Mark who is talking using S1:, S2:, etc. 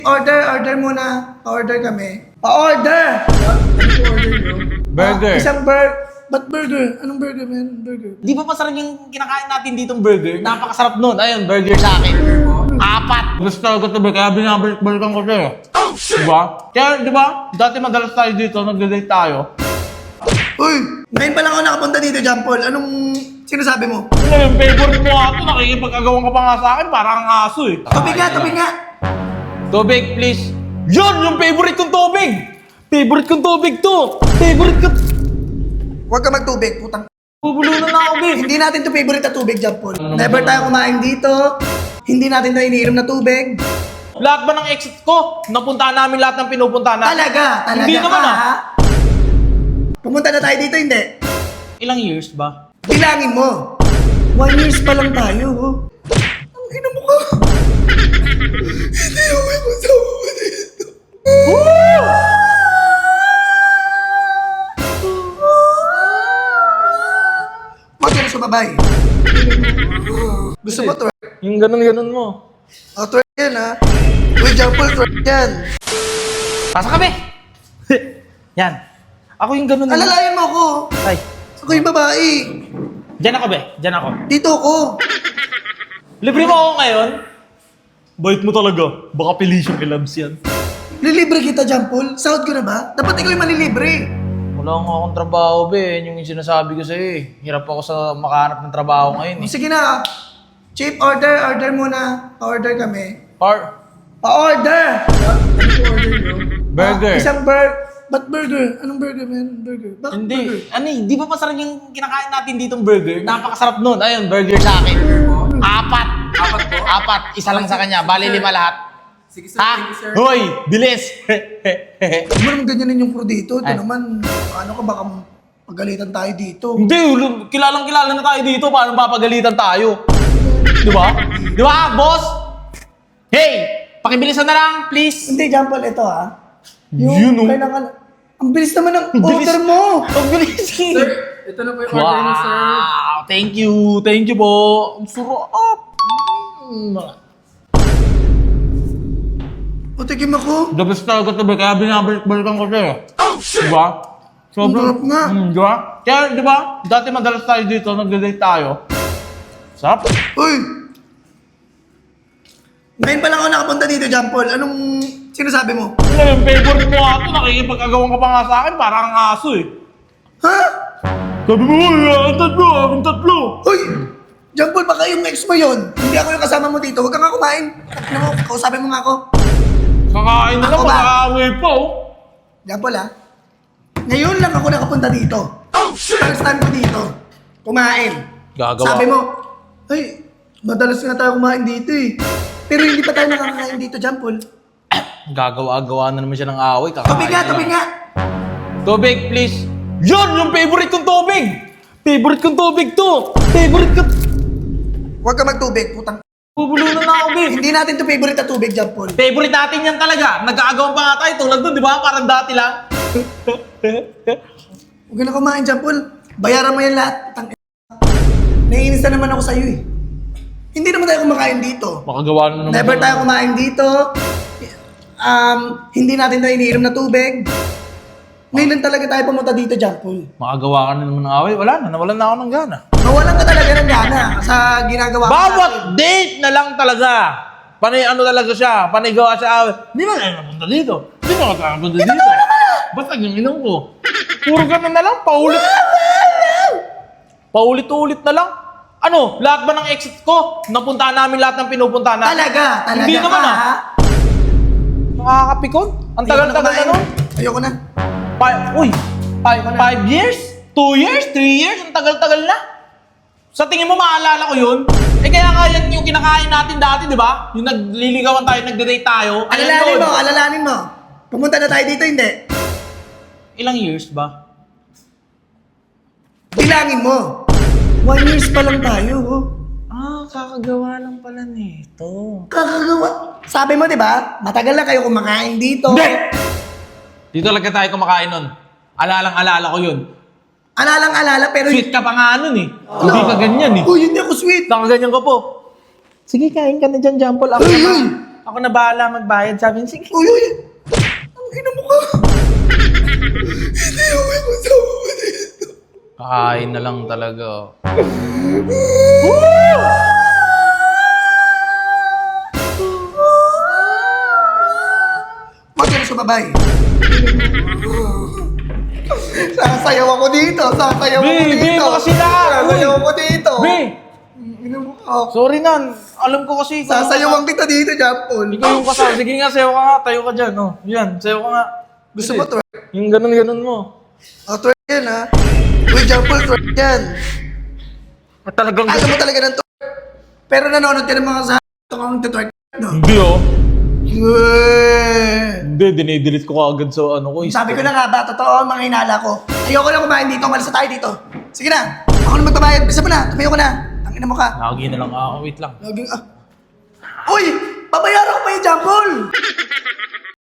S1: Order muna. Pa-order kami. Pa-order!
S2: Burger.
S1: Isang burger. Ba't burger? Anong burger, man? Burger.
S2: Di ba masarap yung kinakain natin ditong burger? Napakasarap nun. Ayun, burger sa akin. 4. Gusto ko ito, kaya binabalik-balikan ko siya. Oh, shit! Diba? Kaya, di ba? Dati madalas tayo dito, nag-date tayo.
S1: Uy! Ngayon pa lang ako nakapunta dito, John Paul. Anong sinasabi mo?
S2: Ano yung favorite mo ato? Nakikipag-agawan ka pa nga sa akin, parang ang aso eh.
S1: Tubig nga, tubig nga.
S2: Tubig, please. Yun! Yung favorite kong tubig! Favorite kong tubig to! Favorite ko...
S1: Huwag ka magtubig, putang.
S2: Bubulunan na ako, babe.
S1: Hindi natin to favorite na tubig, John Paul. Never tayo kumain dito. Hindi natin to iniinom na tubig.
S2: Lahat ba ng exit ko? Napuntahan namin lahat ng pinupuntahan namin.
S1: Talaga.
S2: Hindi naman
S1: ha? Pumunta na tayo dito, hindi.
S2: Ilang years ba?
S1: Bilangin mo. 1 years pa lang tayo, oh. Ang ina mo ka. Hindi ako may kasama mo dito. Huwag ka na sumabay. Gusto mo twerk?
S2: Yung ganun-ganun mo.
S1: Oh, twerk yan, ha? Uy, John Paul, twerk yan.
S2: Pasa kami! Yan. Ako yung ganun.
S1: Alalayan mo ako.
S2: Ay.
S1: Ako yung babae.
S2: Diyan ako, be. Diyan ako.
S1: Dito ako.
S2: Libre mo ako ngayon? Bait mo talaga. Baka pilisyon kay Labs yan.
S1: Lilibre kita, John Paul. Sahod ko na ba? Dapat ikaw yung manilibre.
S2: Wala nga akong trabaho, be. Yun yung sinasabi ko sa'yo eh. Hirap ako sa makahanap ng trabaho ngayon eh.
S1: Sige na. Chief, order muna. Pa-order kami. Pa-order!
S2: Burger.
S1: Isang burger. Ba't burger? Anong burger, man? Burger. Bakit
S2: Hindi.
S1: burger?
S2: Ano eh, di ba masarap yung kinakain natin ditong burger? Napakasarap nun. Ayun, burger sa akin. 4. 4. Isa lang sa kanya. Bali 5 lahat.
S3: Sige sir, thank you sir.
S2: Hoy! Bilis!
S1: Huwag mo naman ganyanin yung crew dito. Ito
S2: Ay.
S1: naman, ano ka baka pagalitan tayo dito.
S2: Hindi, kilalang-kilala na tayo dito. Paano papagalitan tayo? Di ba? Di ba, boss? Hey! Pakibilisan na lang, please.
S1: Hindi, John Paul, ito ha.
S2: Yun, oh.
S1: Kailangan... Ang bilis naman ng
S2: Bilis.
S1: order mo.
S2: Ang bilis.
S3: Sir, ito na po yung order niyo sir.
S2: Wow! Thank you. Thank you po. Ang sarap.
S1: O, tikim ako.
S2: The best talaga ito, kaya binabalik-balikan ko siya. Oh, shit! Diba?
S1: Ang sarap nga.
S2: Di ba? Kaya, di ba? Dati madalas tayo dito, nag-date tayo. Sarap.
S1: Uy! Ngayon pa lang ako nakapunta dito, John Paul. Anong sinasabi mo?
S2: Ano yung favorite mo ato? Nakikipag-agawan ka pa nga sa akin, parang ang aso eh.
S1: Ha?
S2: Sabi mo, ang tatlo.
S1: Uy! John Paul, baka yung ex mo yun. Hindi ako yung kasama mo dito. Huwag ka nga kumain. Ano mo, kausapin mo nga ako.
S2: Kakain na lang,
S1: Ako ba?
S2: makakaway pa oh.
S1: John Paul, ha? Ngayon lang ako nakapunta dito. First time ko dito. Kumain.
S2: Gagawa.
S1: Sabi mo, ay, madalas nga tayo kumain dito eh. Pero hindi pa tayo nakakain dito, John Paul.
S2: Gagawa-gawa na naman siya ng away. Kakain
S1: Tubig nga,
S2: na lang.
S1: tubig nga.
S2: Tubig, please. Yun! Yung favorite kong tubig! Favorite kong tubig to! Favorite ko...
S1: Huwag ka magtubig, putang.
S2: Bubulunan na ako, babe.
S1: Hindi natin to favorite na tubig, John Paul.
S2: Favorite natin yan talaga. Nagkakagawan pa nga tayo tulad doon, di ba? Parang dati lang.
S1: Huwag ka na kumain, John Paul. Bayaran mo yan lahat. Putang. Naiinis na naman ako sa'yo eh. Hindi naman tayo kumakain dito.
S2: Makagawa na naman.
S1: Never tayo kumain dito. Hindi natin na iniinom na tubig. Ngayon lang talaga tayo pumunta dito, John Paul.
S2: Makagawa ka na naman ng away. Wala na. Nawalan na ako ng gana.
S1: Mawalan ka talaga ng gana sa ginagawa ko
S2: Bawat
S1: natin.
S2: date na lang talaga. Panay ano talaga siya. Panay gawa siya away. Di ba tayo napunta dito? Di ba tayo napunta dito? Basta yung inong ko. Puro ganun na lang. Paulit-ulit na lang. Ano? Lahat ba ng exit ko? Napuntahan namin lahat ng pinupuntahan namin?
S1: Talaga.
S2: Hindi
S1: ka,
S2: naman, ah.
S1: ha?
S2: Nakakapikon? Ang tagal-tagal na nun.
S1: Ayoko na.
S2: 5 years? 2 years? 3 years? Ang tagal-tagal na. Sa tingin mo maalala ko yun? Eh kaya kaya yung kinakain natin dati, di ba? Yung nagliligawan tayo, nagde-date tayo. Ayan yun.
S1: Alalanin mo. Pumunta na tayo dito, hindi.
S2: Ilang years ba?
S1: Bilangin mo. 1 years pa lang tayo, oh.
S2: Kakagawa lang pala nito.
S1: Kakagawa. Sabi mo, di ba? Matagal na kayo kumakain dito.
S2: Hindi! Dito talaga tayo kumakain nun. Alalang-alala ko yun.
S1: Alalang-alala, pero...
S2: Sweet ka pa nga nun eh. Hindi ka ganyan eh.
S1: Uy, hindi ako sweet.
S2: Nakaganyan ka po. Sige, kain ka na dyan, Jampol. Ako
S1: Uy,
S2: naman.
S1: uy.
S2: Ako na bahala magbayad. Sabi niya, sige.
S1: Uy, uy! Ang ina mo ka! Hindi ako may kasama mo dito.
S2: Kakain na lang talaga.
S1: Huwag ka na sumabay. Sasayaw ako dito. Sasayaw ako
S2: Be,
S1: dito.
S2: baka sila.
S1: Sasayaw ako dito.
S2: Be!
S1: Ina mo ka.
S2: Sorry nan. Alam ko kasi.
S1: Sasayawan kita dito, Jampol.
S2: Ikaw yung kasama. Sige nga, sayo ka nga. Tayo ka dyan. Oh. Yan, sayo ka nga.
S1: Gusto mo twerk?
S2: Yung ganun-ganun mo.
S1: Twerk yan, ha? Uy, Jampol, twerk yan.
S2: At talagang
S1: Alam mo talaga ng twerk. Pero nanonood ka ng mga sa kung twerk, no?
S2: Hindi oh.
S1: Yeah.
S2: Hindi, dinidelete ko agad sa ano ko.
S1: Sabi ko na nga ba, totoo ang mga hinala ko. Ayoko na kumain dito, malis na tayo dito. Sige na, ako na magbabayad. Bisa mo na, tumayo ko na. Tangina mo ka.
S2: Lagi na lang ako. Wait lang.
S1: Laging, Uy! Babayaran ko pa yung Jampol!